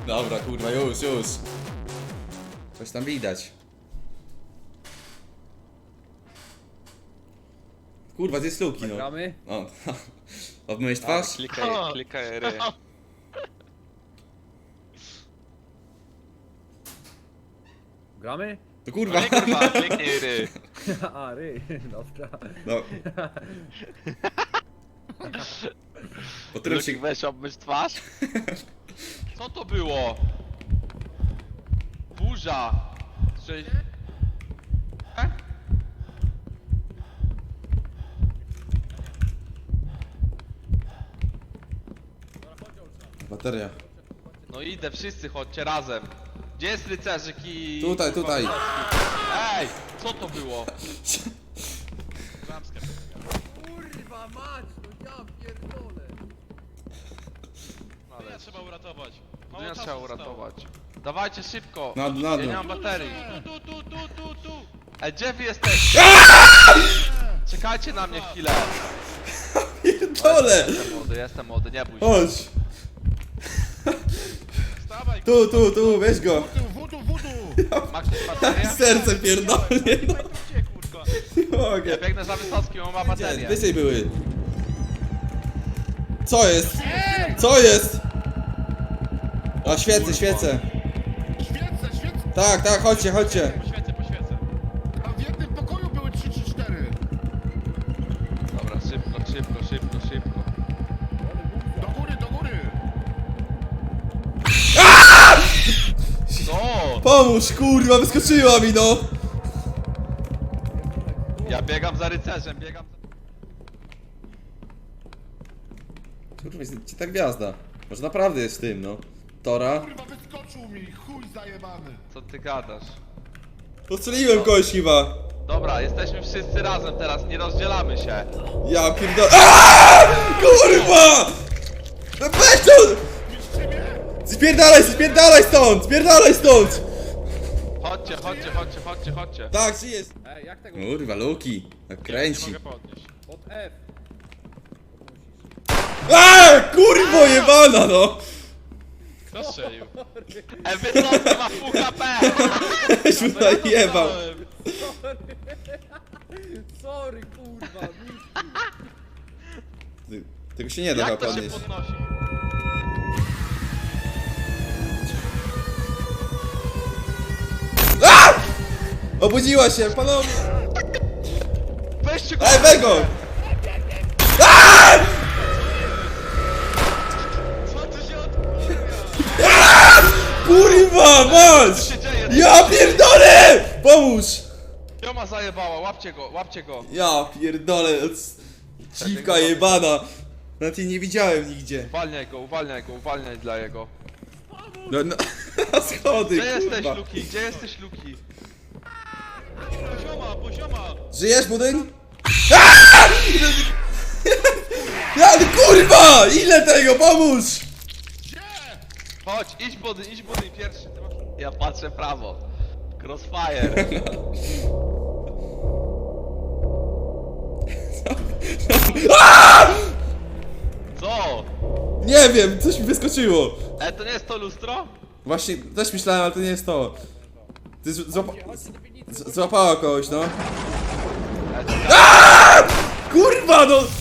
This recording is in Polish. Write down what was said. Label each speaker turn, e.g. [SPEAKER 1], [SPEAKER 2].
[SPEAKER 1] Dobra, kurwa, już. Coś tam widać. Kurwa, to jest luki, no.
[SPEAKER 2] Gramy?
[SPEAKER 1] O, obmyłeś twarz?
[SPEAKER 3] Klikaj R.
[SPEAKER 2] Gramy?
[SPEAKER 1] To kurwa.
[SPEAKER 3] Nie kurwa, kliknij R.
[SPEAKER 2] A, ry, dobra.
[SPEAKER 1] No. Po którym się...
[SPEAKER 3] Luki, weź obmyć twarz. Co to było? Burza. Cześć.
[SPEAKER 1] Bateria.
[SPEAKER 3] No idę, wszyscy chodźcie razem. Gdzie jest rycerzyk i...
[SPEAKER 1] Tutaj.
[SPEAKER 3] Ej, co to było?
[SPEAKER 2] Kurwa mać, no ja pierdolę.
[SPEAKER 3] Ale
[SPEAKER 4] Trzeba uratować. Mało
[SPEAKER 3] nie
[SPEAKER 4] czasu
[SPEAKER 3] trzeba
[SPEAKER 4] zostało.
[SPEAKER 3] uratować. Dawajcie szybko.
[SPEAKER 1] Na
[SPEAKER 3] Ja nie
[SPEAKER 1] dno.
[SPEAKER 3] mam baterii.
[SPEAKER 4] Tu.
[SPEAKER 3] Ej, gdzie wy jesteście? Czekajcie na mnie chwilę.
[SPEAKER 1] Pierdolę!
[SPEAKER 3] Jestem młody, nie bój się.
[SPEAKER 1] Chodź!
[SPEAKER 4] Wstawaj,
[SPEAKER 1] Tu, weź go!
[SPEAKER 4] Wudu!
[SPEAKER 3] Ma ktoś baterię?
[SPEAKER 1] Serce pierdolnie, no.
[SPEAKER 4] Gdzie, kurwa?
[SPEAKER 1] Nie mogę.
[SPEAKER 3] Ja biegnę za Wysockim, on ma baterię.
[SPEAKER 1] Wyżej były. Co jest? Co jest? A świecę.
[SPEAKER 4] Świecę!
[SPEAKER 1] Tak, chodźcie.
[SPEAKER 4] Po świecę.
[SPEAKER 5] A w jednym pokoju były 3 czy 4.
[SPEAKER 3] Dobra, szybko.
[SPEAKER 5] Do góry!
[SPEAKER 3] Co?
[SPEAKER 1] Pomóż, kurwa, wyskoczyła mi, no!
[SPEAKER 3] Ja biegam za rycerzem, biegam za...
[SPEAKER 1] Kurwa, jest ci ta gwiazda. Może naprawdę jest w tym, no. Tora.
[SPEAKER 5] Kurwa, wyskoczył mi, chuj zajebany.
[SPEAKER 3] Co ty gadasz?
[SPEAKER 1] Postrzeliłem kogoś chyba.
[SPEAKER 3] Dobra, jesteśmy wszyscy razem teraz, nie rozdzielamy się.
[SPEAKER 1] Ja pierdolę. Kurwa! No weź to! Spierdalaj stąd!
[SPEAKER 3] Chodźcie.
[SPEAKER 1] Tak, czy jest?
[SPEAKER 2] Ej, jak tego?
[SPEAKER 1] Kurwa, Luki. Tak
[SPEAKER 4] Nie
[SPEAKER 1] kręci.
[SPEAKER 4] mogę podnieść.
[SPEAKER 2] Pod F.
[SPEAKER 1] Kurwo jebana, no!
[SPEAKER 4] Kto strzelił?
[SPEAKER 3] Wysoki ma full HP!
[SPEAKER 1] Weź mu najebał.
[SPEAKER 2] Sorry, kurwa.
[SPEAKER 1] Tego się nie da
[SPEAKER 3] Jak
[SPEAKER 1] chyba
[SPEAKER 3] to się
[SPEAKER 1] podnieść.
[SPEAKER 3] podnosi?
[SPEAKER 1] Obudziła się, panowie!
[SPEAKER 3] Weźcie go!
[SPEAKER 1] Ej, Bego!
[SPEAKER 4] Co tu się odkurwia?
[SPEAKER 1] Kurwa, mać!
[SPEAKER 3] Co się dzieje?
[SPEAKER 1] Ja pierdolę! Pomóż!
[SPEAKER 3] Joma zajebała, łapcie go.
[SPEAKER 1] Ja pierdolę. Dziwka jebana. Nawet jej nie widziałem nigdzie.
[SPEAKER 3] Uwalniaj dla jego.
[SPEAKER 1] No, schody,
[SPEAKER 3] Gdzie jesteś,
[SPEAKER 1] kurwa.
[SPEAKER 3] Luki? Gdzie jesteś, Luki?
[SPEAKER 4] Pozioma!
[SPEAKER 1] Żyjesz, budyń? Ja, kurwa! Ile tego? Pomóż!
[SPEAKER 3] Chodź, idź budyń pierwszy. Ty masz... Ja patrzę w prawo. Crossfire. Co?
[SPEAKER 1] Nie wiem, coś mi wyskoczyło.
[SPEAKER 3] To nie jest to lustro?
[SPEAKER 1] Właśnie, też myślałem, ale to nie jest to. Ty złapała kogoś, no. Kurwa, no!